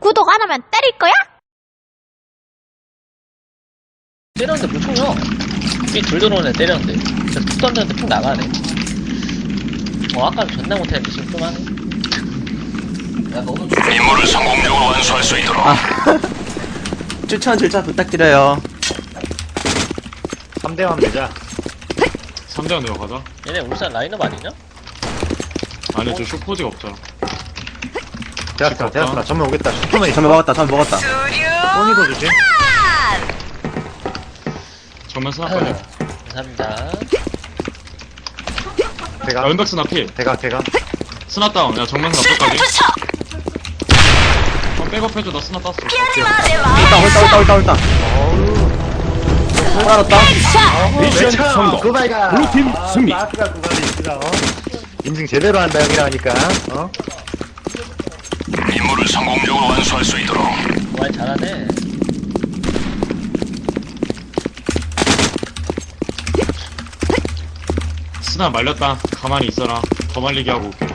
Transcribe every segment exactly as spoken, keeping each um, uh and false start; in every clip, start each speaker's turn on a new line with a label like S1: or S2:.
S1: 구독 안 하면 때릴 거야?
S2: 때렸는데 못 총이야. 이둘 들어오네 때렸는데. 진짜 툭 던졌는데 툭 나가네. 어 아까는 존나 못했는데 지금 좀 하네. 야 너도
S3: 임무를 성공적으로 완수할 수 있도록.
S4: 아. 추천 절차 부탁드려요.
S5: 삼 대만 매자.
S6: 삼 대만 내가 가자.
S2: 얘네 울산 라인업 아니냐?
S6: 아니 저 쇼포지가 없잖아.
S5: 대학사, 대학사. 전면 오겠다. 슈퍼맨
S4: 전면 먹었다, 전면 먹었다.
S5: 소니도 주지?
S6: 정면 스나까지.
S2: 감사합니다.
S5: 대각,
S6: 야 은박 스나 필.
S5: 대각, 대각.
S6: 스나 다운. 야 정면 스나 끝까지. 어 백업해줘. 나 스나 땄어.
S4: 홀다, 홀다, 홀다, 홀다. 빨았다.
S5: 미션 성공. 구발가.
S6: 블루팀 승리.
S5: 마스가 구발이 있구나. 어? 인증 제대로 한다 형이라니까. 어?
S3: 임무를 성공적으로 완수할 수 있도록.
S2: 와 잘하네.
S6: 스나 말렸다. 가만히 있어라. 더 말리게 하고 올게.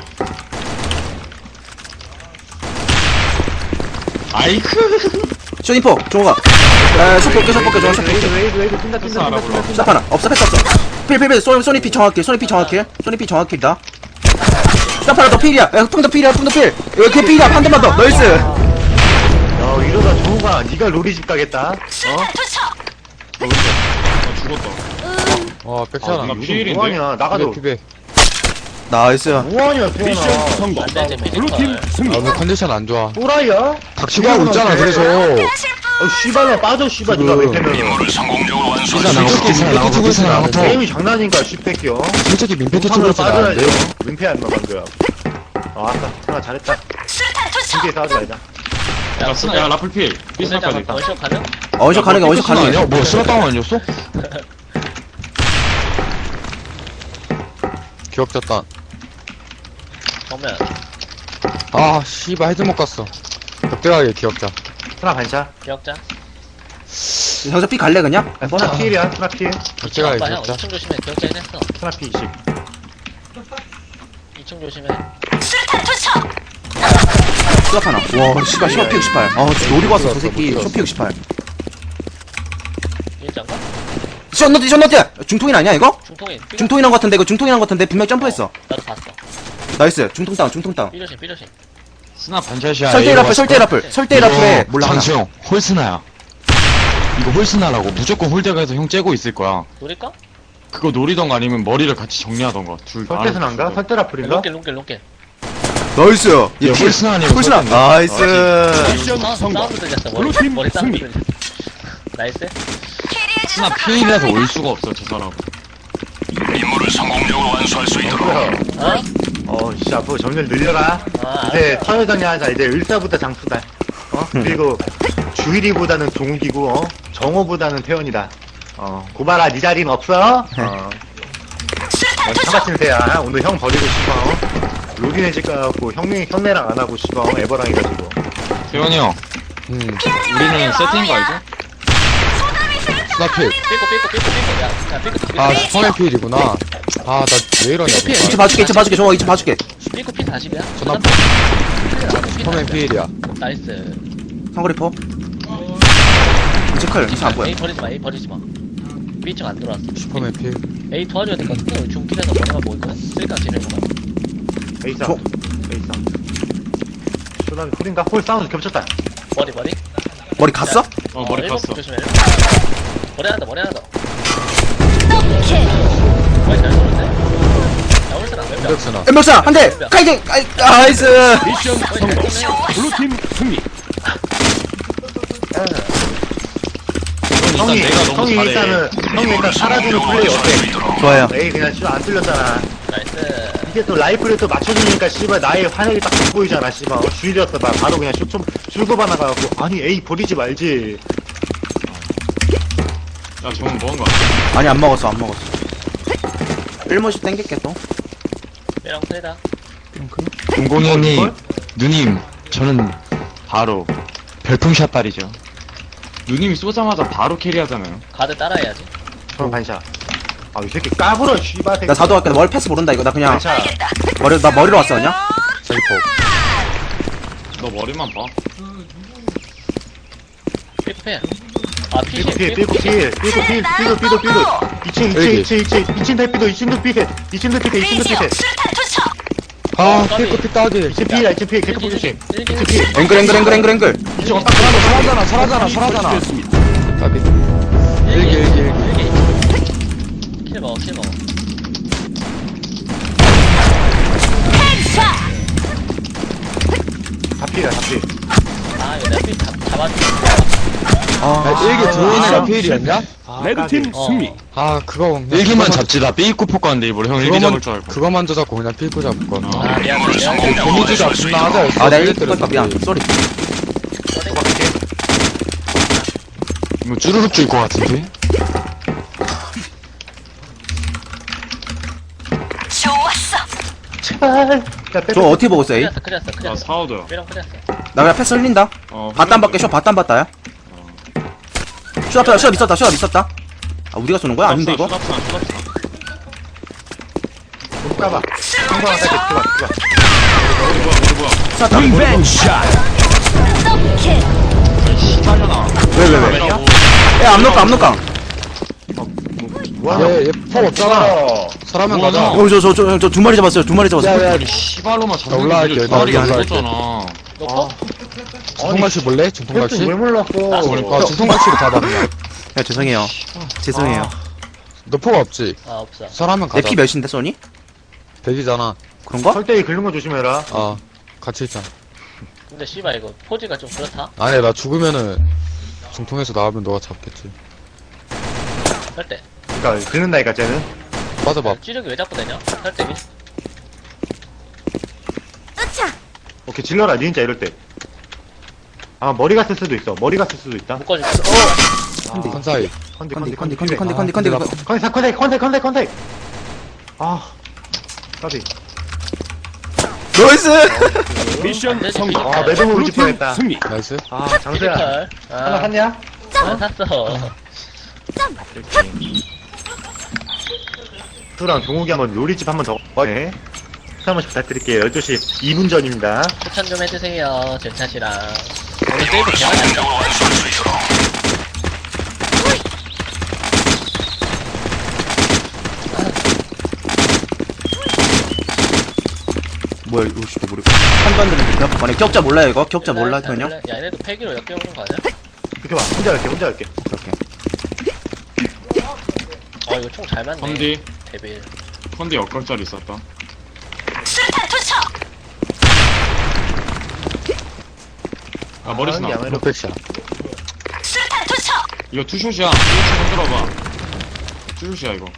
S6: 아이크.
S4: 쇼니포, 종호가. 에, 쇼 볼게, 쇼 볼게, 종호, 쇼 볼게.
S5: 웨이드, 웨이드, 웨이드. 뛴다, 뛴다,
S6: 됐어,
S5: 뛴다,
S6: 알아볼라.
S5: 뛴다, 뛴다.
S4: 스탑 하나. 없어, 패스 없어. 필, 필, 필. 소, 소니피 정확히, 소니피 정확히. 소니피 정확히다. 스탑 하나 더 필이야. 야, 풍도 필이야, 풍도 필. 여기 걔 필이야, 한 대만 더. 나이스.
S5: 야, 이러다 정우가 네가 로리집 가겠다. 어?
S6: 나 죽었다.
S7: 와,
S6: 아,
S7: 백찬아.
S6: 나 피일인데?
S5: 뭐하냐, 나가도.
S7: 피배.
S4: 나이스.
S5: 뭐하냐, 태연아.
S6: 성공.
S2: 안되지 메디컬.
S7: 아, 오늘 컨디션 안 좋아.
S5: 또라이야?
S7: 닥치고 하고 있잖아, 그래서.
S5: 어, 씨발로 빠져, 씨발, 니가 왜 패면은.
S3: 임무를 성공적으로 완수할
S7: 피자
S3: 수
S7: 나가고,
S3: 있도록.
S7: 피자 나가고, 피자 나가고.
S5: 게임이 장난인가, 씨패끼요.
S7: 솔직히 민폐
S5: 우산으로
S7: 투투를 쓰면 안 돼.
S5: 빠져야지. 민폐야, 인마, 방금. 아, 아까, 태연아 잘했다. 신기해 싸우지 말자.
S6: 야 스나 야 라플 필. B 스나까지.
S2: 원샷 가능?
S4: 어디서 가는 게 어디서 가는
S7: 아니야?
S4: 게.
S7: 뭐, 스나 다운 아니었어? 기억졌다.
S2: 정면.
S7: 아, 씨발, 헤드 못 갔어. 적대하게 기억자.
S5: 스나 반샷.
S2: 기억자.
S4: 여기서 삐 갈래, 그냥?
S5: 야, 스나 필이야, 스나 필.
S7: 적대하게
S2: 오빠 형
S7: 기억자.
S2: 이 층 조심해. 기억자 해냈어.
S5: 스나 필 이십.
S2: 이 층 조심해.
S4: 스탑 하나. 와, 씨발, 쇼피 육십팔. 아, 진짜 노리고 왔어, 저 새끼. 쇼피 육십팔.
S2: 일장가?
S4: 션너티, 션너티! 중통인 아니야, 이거?
S2: 중통인. 삐
S4: 중통인한 것 같은데, 이거 중통인한 것 같은데, 분명 점프했어.
S2: 나도 봤어.
S4: 나이스. 중통 다운, 중통 다운.
S2: 삐조심 삐조심.
S6: 스나 반샷이야.
S4: 설대 라플, 설대 라플, 설대 라플에 몰라 하나.
S6: 장수형 홀스나야. 이거 홀스나라고 무조건 홀대가에서 형 째고 있을 거야.
S2: 노릴까?
S6: 그거 노리던가 아니면 머리를 같이 정리하던가. 둘 다.
S5: 설대 스나인가? 설대 라플인가?
S2: 롱길 롱길 롱길.
S4: 나이스.
S6: 야, 홀스나 아니면
S4: 홀스나.
S6: 설대인데?
S4: 나이스.
S2: 사운드 사운드 들렸어. 머리 머리 사운드 들렸어. 나이스.
S6: 스나 피일이라서 올 수가 없어 저 사람.
S3: 임무를 성공적으로 완수할 수 있도록.
S5: 뭐야?
S2: 어?
S5: 어, 씨, 앞으로 점점 늘려라.
S2: 아,
S5: 이제 터여정리 하자. 이제 을사보다 장수다. 어? 그리고 주일이보다는 종욱이고, 어? 정호보다는 태연이다. 어, 고발아, 니 자리는 없어? 어. 어, 차마친 새야. 오늘 형 버리고 싶어. 어? 로딘해질 거 같고, 형님, 형네랑 안 하고 싶어. 애버랑 해가지고.
S6: 태현이 형,
S7: 음,
S6: 우리는 세팅인 거 알죠?
S7: 스나필.
S2: 삐고 삐고 삐고 삐고. 야, 야 삐고 삐고.
S7: 아, 슈퍼맨 필이구나. 아, 나 왜 이러냐,
S2: 삐,
S4: 이층
S7: 뭐.
S4: 봐줄게, 이층 봐줄게, 정호 이층 봐줄게.
S2: 삐고 피 사십이야.
S7: 전화- 슈퍼맨 필이야.
S2: 나이스.
S4: 상거리포. 이층 클, 이층 안 보여.
S2: A 버리지 마. A 버리지 마. B층 안 들어왔어.
S7: 슈퍼맨 필.
S2: A 도와줘야 될 것 같은데 중길에서 머리가 보일 거야. 쓸까 지내는 거야.
S5: 에이사.
S4: 저-
S5: 에이사. 쇼다미 콜인가? 홀 사운드 겹쳤다.
S2: 머리 머리.
S4: 머리 갔어?
S6: 어 머리
S2: 일곱
S6: 깠어.
S2: 조심해. 머리 하나 더 머리 하나 더. 머리 잘 쏘는데. 야 홀스나 몇 명?
S7: 인덱스나.
S4: 엠박사 한 대. 카이팅. 아이, 나이스.
S2: 미션 성공.
S6: 블루팀 승리.
S5: 형이,
S6: 일단 내가 너무
S5: 형이
S6: 잘해.
S5: 일단은, 형이 일단
S3: 임무를
S5: 살아주는
S3: 성공적으로
S5: 플레이
S3: 완수할 수
S5: 어때?
S3: 있도록.
S4: 좋아요.
S5: 에이, 그냥 씨발 안 뚫렸잖아.
S2: 나이스.
S5: 이게 또 라이프를 또 맞춰주니까 씨발 나의 환영이 딱 돋보이잖아 씨발. 어, 주일이었어. 나 바로 그냥 쇼좀 출고바 나가갖고 아니 에이 버리지 말지.
S6: 야 정은 먹은 거 같아.
S4: 아니 안 먹었어, 안 먹었어. 일모씩 땡길게 또.
S2: 메랑 트레다.
S6: 공공이 형님, 누님, 저는 바로 별풍샷 딸이죠. 누님이 쏘자마자 바로 캐리하잖아요.
S2: 가드 따라해야지.
S5: 저는 반샷. 아 이 새끼 까불어 씨발 새끼.
S4: 나 사도 할게. 머리 패스 모른다 이거. 나 그냥
S5: 반샷.
S4: 머리 나 머리로 왔어 그냥.
S7: 사기포.
S1: 너 머리만 봐.
S2: 삐패. 아, 피시.
S5: 삐고 필, 삐고 필, 삐고 필, 삐고 삐고 삐고. 이 층, 이 층, 이 층, 이 층, 이 층 대피도, 이 층도 피해, 이 층도 피해, 이 층도 피해.
S7: 아, 피크 피 따지.
S5: 이 층 피해, 이 층 피해, 개코 조심. 이 층 피해.
S4: 앵글 앵글 앵글 앵글 앵글.
S5: 이 층 엇박
S7: 설하잖아, 설하잖아, 설하잖아. 따비. 일기, 일기, 일기.
S2: 킬 먹어, 킬 먹어.
S5: 다 피해, 다 피해.
S2: 아, 이거 내가 삐 잡, 잡아줄게.
S7: 아, 일기 들어오는 애가 필이었냐?
S5: 레드팀
S2: 어.
S7: 아, 그거. 그냥
S6: 일기만
S7: 그거만-
S6: 잡지. 나 삐입고 포커한데 이번에 형 일기 잡을 줄 알고.
S7: 그거만 줘 잡고 그냥 피크 잡을 거나.
S2: 아, 미안,
S3: 임무를
S2: 미안.
S3: 성공적으로
S7: 데미지
S3: 완수할 수
S7: 잡나
S3: 있도록.
S7: 하자.
S4: 아 내가 일거 미안. 쏘리.
S6: 이거 쭈루룩 줄 것 같은데?
S5: 제발. 야, 빼,
S4: 저 어떻게 보고 있어 에이?
S2: 클리었어, 클리었어,
S1: 나
S2: 클리었어.
S1: 사우더야.
S2: 삐랑 클리었어.
S4: 나 그냥 패스 흘린다.
S1: 어.
S4: 바딴 밖에 쇼 바딴 봤다야. 쇼다 쇼다 있었다 쇼다 있었다. 아 우리가 쏘는 거야? 아닌데 이거?
S1: 수납산, 수납산.
S5: 못 가봐. 한번 하자, 들어가, 들어가.
S1: 머리 뭐야, 머리 뭐야.
S4: 쐈다.
S1: 시발려나.
S4: 왜왜 왜? 야 압록강 압록강.
S7: 얘, 얘폭 없잖아. 설하면
S1: 뭐하냐?
S7: 가자.
S4: 어 저 저 저 저 두 마리 잡았어요. 두 마리 잡았어요.
S7: 야, 야,
S6: 시발로만 잡는 게
S7: 올라갈게,
S6: 문제.
S7: 나
S6: 다리가
S4: 올라갈게.
S6: 없었잖아.
S2: 너 거?
S7: 중통갈치 볼래? 중통갈치?
S5: 왜 몰랐어?
S7: 아, 중통갈치로 잡아, 그냥.
S4: 야 죄송해요. 죄송해요.
S7: 너 폭 없지?
S2: 아, 없어.
S7: 설하면
S4: 내
S7: 가자.
S4: 피 몇인데 소니?
S7: 백이잖아.
S4: 그런가?
S5: 설대기 긁는 거 조심해라.
S7: 아, 같이 있잖아.
S2: 근데 씨발 이거 포즈가 좀 그렇다.
S7: 아니, 나 죽으면은 중통에서 나오면 너가 잡겠지.
S2: 할 때.
S5: 그니까, 긁는다니까, 쟤는.
S7: 빠져봐.
S2: 찌르기 왜 자꾸 되냐? 할 때기.
S5: 오케이, 질러라, 니은자 이럴 때. 아, 머리 갔을 수도 있어. 머리 갔을 수도 있다.
S2: 묶어줄게.
S7: 컨사이.
S5: 컨디,
S4: 컨디
S5: 컨디,
S4: 컨디 컨디 컨디
S7: 아,
S4: 컨디 컨디.
S7: 근데
S4: 컨디.
S5: 컨디, 컨디, 컨디, 컨디, 컨디. 아, 까비.
S4: 나이스.
S2: 미션 성공.
S5: 아, 매듭으로 짚어야겠다.
S7: 나이스.
S5: 아, 장수야.
S2: 피지컬.
S5: 하나
S2: 아,
S5: 샀냐?
S2: 안 샀어.
S5: 수랑 종욱이 한번 요리집 한번 더. 네. 한 번씩 부탁드릴게요. 열두 시 이 분 전입니다.
S2: 추천 좀 해주세요. 제 탓이랑. 오늘 세이브 개만 안
S3: 성공적으로 완수할 수 있도록.
S4: 뭐야 이거 씨 모르. 한반도는 격 만약 격자 몰라요 이거? 격자 몰라
S2: 야,
S4: 그냥?
S2: 야, 얘네도 패기로 역겨오는 거 아니야?
S5: 이렇게 봐. 혼자 할게, 혼자 할게.
S4: 오케이.
S2: 어, 이거 총 잘 맞네.
S1: 컨디,
S2: 데빌.
S1: 컨디 역각짜리 있었다. 아, 머리 스나.
S5: 야매로.
S7: 록백샷.
S1: 이거 투숏이야. 투숏 흔들어봐. 투숏이야, 이거.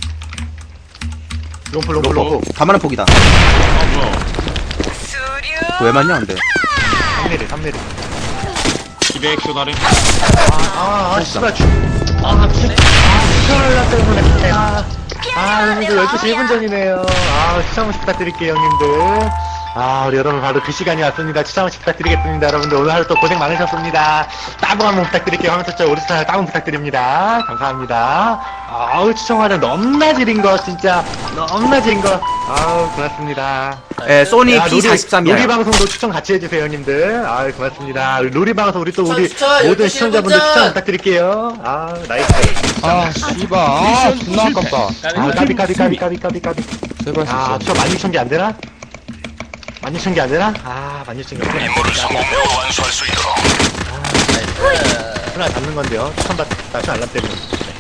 S5: 롬프, 롬프, 롬프.
S4: 가만한 폭이다.
S1: 아, 뭐야.
S4: 왜 맞냐 근데?
S5: 삼 미리, 삼 미리.
S1: 이백 쇼다리.
S5: 아, 아, 씨발. 추-
S2: 아, 그래?
S5: 추천을 나 때문에. 아, 아, 형님들 열두 시 일 분 전이네요. 아, 추천 한번 부탁드릴게요, 형님들. 아, 우리 여러분 바로 그 시간이 왔습니다. 추천 한번 부탁드리겠습니다. 여러분들 오늘 하루 또 고생 많으셨습니다. 따봉 한번 부탁드릴게요. 하면서 저 우리 스타일 따봉 부탁드립니다. 감사합니다. 아우, 추천하려 너무나 지린 거, 진짜. 너무나 지린 거. 아우, 고맙습니다.
S4: 에 소니
S5: 야,
S4: 피 사십삼이야.
S5: 로리 방송도 추천 같이 해주세요, 형님들. 아, 고맙습니다. 우리 로리 방송 우리 또 우리
S4: 추천,
S5: 모든
S4: 추천,
S5: 시청자분들
S4: 추천.
S5: 추천 부탁드릴게요. 아, 나이스.
S7: 아, 씨발. 아, 존나 아깝다.
S5: 아, 까비 까비 까비 까비 까비 까비.
S7: 제발
S5: 아,
S7: 진짜.
S5: 저 만 육천 개 안 되나? 만 육천 개 안 되나? 아, 만 육천 개 안 되나?
S3: 임무를 성공적으로 완수할 수 있도록.
S2: 나이스.
S5: 하나 잡는 건데요. 추천 받, 나 추천 알람 때문에.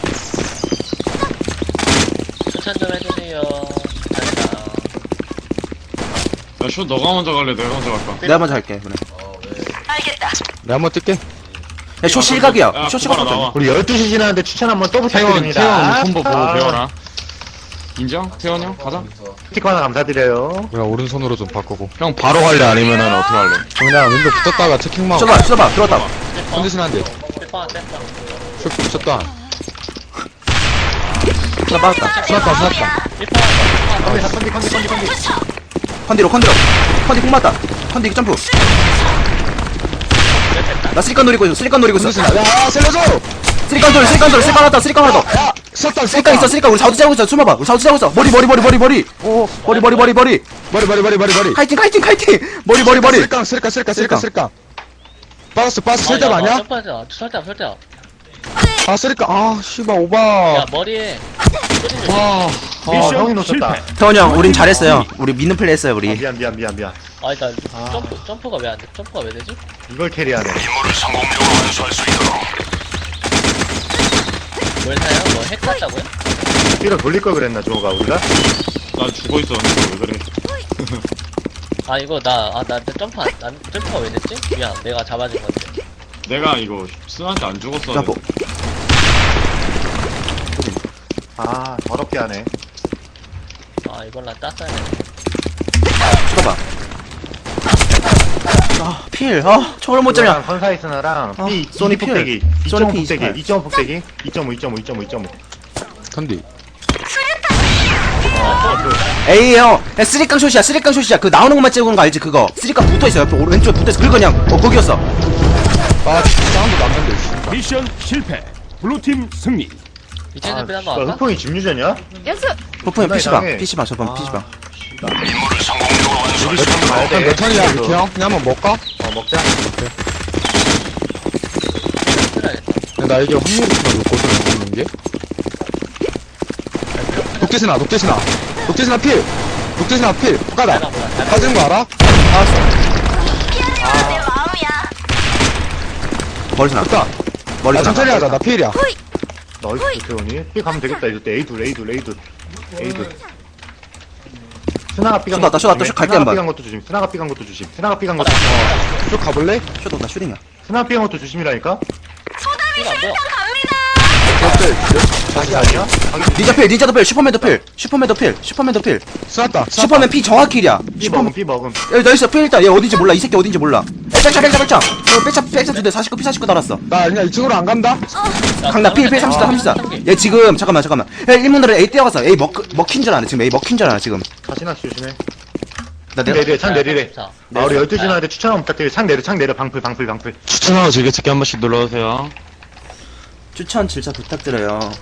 S2: 추천 좀 해주세요. 감사합니다.
S1: 야, 쇼 너가 먼저 갈래? 내가 먼저 갈까?
S4: 내가 먼저 할게 그래.
S7: 내가 한번 뛸게.
S4: 야, 쇼 실각이야.
S1: 야,
S4: 쇼
S1: 구바라
S4: 실각.
S1: 나와.
S5: 우리 열두 시 지났는데 추천 한번 또
S1: 태원,
S5: 부탁드립니다.
S1: 태원 콤보 보고
S5: 아,
S1: 배워라. 인정? 태원 형? 가자.
S5: 스티커 하나 감사드려요.
S7: 그냥 오른손으로 좀 바꾸고.
S6: 형 바로 갈래? 아니면은 어떻게 할래?
S7: 그냥 윈도 붙었다가 체킹만 하고.
S4: 쳐봐 쳐봐 들어왔다.
S7: 컨디션 한 대.
S2: 뺐다, 뺐다.
S7: 슛 붙였다.
S4: 나 맞았다.
S7: 쏘았다, 쏘았다.
S5: 컨디, 컨디, 컨디, 컨디, 컨디.
S4: 컨디로 컨디로. 컨디 폭 맞다. 컨디 점프. 나 쓰리칸 노리고 있어. 쓰리칸 노리고 있어.
S7: 컨디션. 야, 살려줘!
S4: 쓰리칸 돌 쓰리칸 돌 쓰리칸 하나 더 쓰리칸 하나 더.
S7: 쐈다
S4: 쓰리깡 있어 쓰리깡 우리 사우드 짜고 있어 숨어봐 우리 사우드 짜고 있어 머리 머리 머리 머리 머리 오 머리 머리 머리 머리
S7: 머리 머리 머리 머리 머리
S4: 카이팅 카이팅 카이팅 머리 머리 머리
S7: 쓸깡 쓸깡 쓸깡 쓸깡 쓸깡 빠졌어 빠졌어
S2: 아,
S7: 쓸데만 아니야?
S2: 점프하자. 설대 설대.
S7: 아 쓸깡 아 씨발
S2: 야
S7: 오바
S2: 머리에.
S7: 와
S5: 아 형이 놓쳤다.
S4: 태원이 형 우린 잘했어요 우리 믿는 플레이 했어요
S5: 아,
S4: 우리
S5: 미안 미안 미안 미안.
S2: 아 일단 점프 점프가 왜 안 돼? 점프가 왜 되지?
S5: 이걸 캐리하네.
S3: 임무를 성공적으로 완수할 수 있도록.
S2: 뭘 사요? 뭐핵 같다고요?
S5: 뛰어 돌릴 걸 그랬나 저거가 우리가?
S1: 나 죽어있었는데 왜 그래?
S2: 아 이거 나아 나한테 점프 안 난, 점프가 왜 됐지? 미안 내가 잡아준 건데.
S1: 내가 이거 스나한테 안 죽었어.
S4: 점프
S5: 아 더럽게 하네.
S2: 아 이걸 난 땄어야 돼.
S4: 쳐봐 아필아 총을 못 잡냐
S5: 컨사이스나랑
S4: 아,
S5: B
S4: 소니
S5: 소니 폭대기
S4: 필. 소니
S5: 이 점 오
S4: 필
S5: 폭대기
S4: 이십팔.
S5: 이 점 오 폭대기 이 점 오 이 점 오 이 점 오 이 점 오
S7: 컨디
S4: 에이 형 야, 쓰리깡 숏이야 쓰리깡 숏이야 그 나오는 것만 찍은 거 알지 그거 쓰리깡 붙어있어 옆에 오른 왼쪽에 붙어있어 그거 그냥 어 거기였어
S7: 아 사운드 남는데 씨.
S8: 미션 실패. 블루팀 승리.
S2: 이층
S5: 아,
S2: 좀 한번
S5: 씨발,
S2: 할까?
S5: 흑풍이 집유전이야?
S4: 버프형
S5: 존나
S4: 피시방
S5: 이상해.
S4: 피시방 저번 피시방
S3: 임무를 성공적으로 완수할 수 있도록.
S5: 가야
S7: 일단 몇 턴이야 미키 형? 그냥 한번 먹까?
S5: 어 먹자.
S2: 틀어야겠다.
S7: 근데 나 이게 확률이 좀 높거든 먹는 게 독대신아 독대신아 독대신아 필 독대신아 필 까다
S2: 내가 몰라. 내가
S7: 빠지는 거 알아?
S4: 머리 나
S7: 됐다
S4: 머리
S7: 아
S4: 나
S7: 천천히 하자 나 필이야
S5: 나이스 태훈이. B 가면 되겠다 이제 때 에이둘 에이둘 에이둘 에이둘. 스나가 삐간
S4: 쏟았다,
S5: 것도
S4: 쏟았다,
S5: 조심해.
S4: 슛 갈게
S5: 스나가
S4: 한번.
S5: 삐간 것도 조심. 스나가 삐간 것도 조심. 스나가 삐간 것도 조심.
S7: 쭉 가볼래?
S4: 슛 온다 슈팅이야
S5: 스나가 삐간 것도 조심이라니까?
S2: 이거 안 보여.
S5: 다시 아니야?
S4: 닌자 필 닌자도 필 슈퍼맨도 필 슈퍼맨도 필 슈퍼맨도 필
S7: 쐈다
S4: 슈퍼맨 피 정확킬이야
S5: B
S4: 슈퍼맨
S5: 먹음 B 먹음.
S4: 야 나이스 필 일단 얘 어딘지 몰라 이 새끼 어딘지 몰라 백차 백차 백차 어 백차 백차 두대 사십구 피 사십구 달았어
S7: 나 그냥 이 층으로 안 간다?
S4: 강남 필 필 삼십사 삼십사 얘 지금 잠깐만 잠깐만 야 일문으로 A 뛰어갔어 A 먹 먹힌 줄 아네 지금 A 먹힌 줄 아네 지금
S5: 다시나 조심해.
S4: 나
S5: 창
S4: 내가
S5: 내리래 창 내리래.
S2: 자,
S5: 아 우리 열두 시 나한테 추천 한번 부탁드려. 창 내려 창 내려 방풀 방풀 방풀.
S6: 추천하고 즐겨찾기 한 번씩 눌러주세요.
S4: 추천 질차 부탁드려요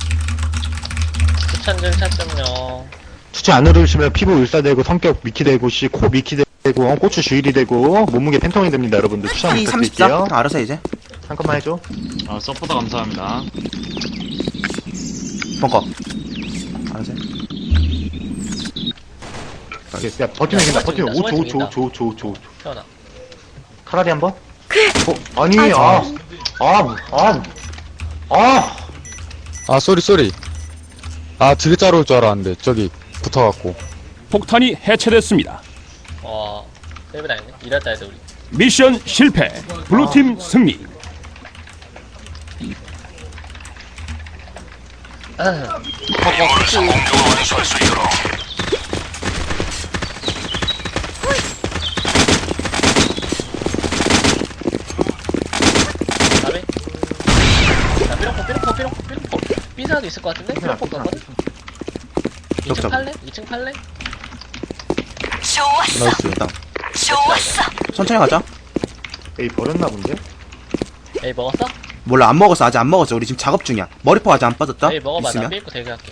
S2: 추천 좀 찾점요.
S5: 추천 안 누르시면 피부 울사되고 성격 미키 되고 씨 코 미키 되고 어, 고추 주일이 되고 몸무게 팬통이 됩니다 여러분들. 추천
S4: P 삼십사
S5: 부탁드릴게요.
S4: 형 알아서 해, 이제
S5: 잠깐만 해줘.
S1: 아 서포터 감사합니다.
S4: 벙커 알아서 해
S5: 오케이, 야 버티면 이긴다. 버티면
S2: 숨어
S5: 오 초 오
S2: 있습니다.
S5: 초 오 초 오 초 오 초.
S2: 태어나.
S5: 카라리 한 번? 어? 아니 아 아, 아, 아,
S7: 아 쏘리 쏘리 아 되게 잘 올 줄 알았는데 저기 붙어갖고
S8: 폭탄이 해체됐습니다.
S2: 어. 세이브 당했네. 이랬다 해도 우리.
S8: 미션 실패. 블루팀 승리.
S3: 임무를 성공적으로 완수할 수 있도록.
S2: 다음에. 자, 삐롱포, 삐롱포, 삐롱포, 삐롱포. 삐사도 있을 것 같은데? 삐롱포 갔거든? 이 층
S4: 적, 적.
S2: 팔래? 이 층 팔래?
S4: 나이스 일단 천천히 가자
S5: 에이 버렸나 본데?
S2: 에이, 먹었어?
S4: 몰라 안 먹었어 아직 안 먹었어 우리 지금 작업 중이야 머리포 아직 안 빠졌다
S2: 에이, 먹어봐. 나
S4: 있으면
S2: 삐입고 대기할게.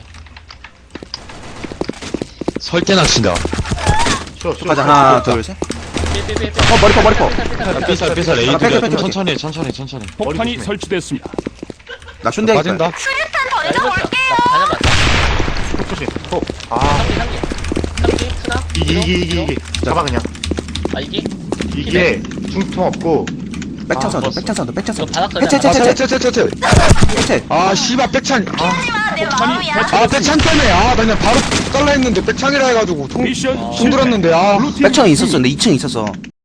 S6: 설계나 친다.
S5: 쉬어 쉬어.
S4: 가자 하나 둘셋
S2: 삐삐삐삐.
S4: 어, 머리포, 머리포.
S6: 삐살 삐살
S4: 아,
S6: 에이둘이야.
S4: 빼, 빼,
S6: 좀
S4: 빼,
S6: 천천히 해, 천천히 해, 천천히.
S8: 폭탄이
S5: 조심해.
S8: 설치됐습니다.
S4: 나 슌대
S7: 빠진다
S2: 나 다녀 맞다.
S5: 톡 조심. 톡. 아
S2: 삼기, 삼기. 삼기, 스나.
S5: 이기 이기 이기 이기. 잡아 그냥.
S2: 아, 이기?
S5: 이게 중통 없고.
S4: 백창
S5: 아,
S4: 사운드
S5: 먹었어.
S4: 백창 사운드 백창
S2: 이거
S4: 사운드
S2: 바닥
S4: 해체
S2: 걸자.
S4: 해체
S7: 아
S4: 해체
S7: 채채채채
S4: 해체
S7: 아 씨발 백찬 아,
S8: 폭탄이
S7: 아
S8: 해체됐습니다.
S7: 백찬 때문에 아나 그냥 바로 깔라 했는데 백찬이라 해가지고 통
S8: 미션
S7: 통
S8: 실패.
S7: 들었는데 아
S8: 블루팀
S4: 백창이
S8: 승리.
S4: 있었어 근데 이 층에 있었어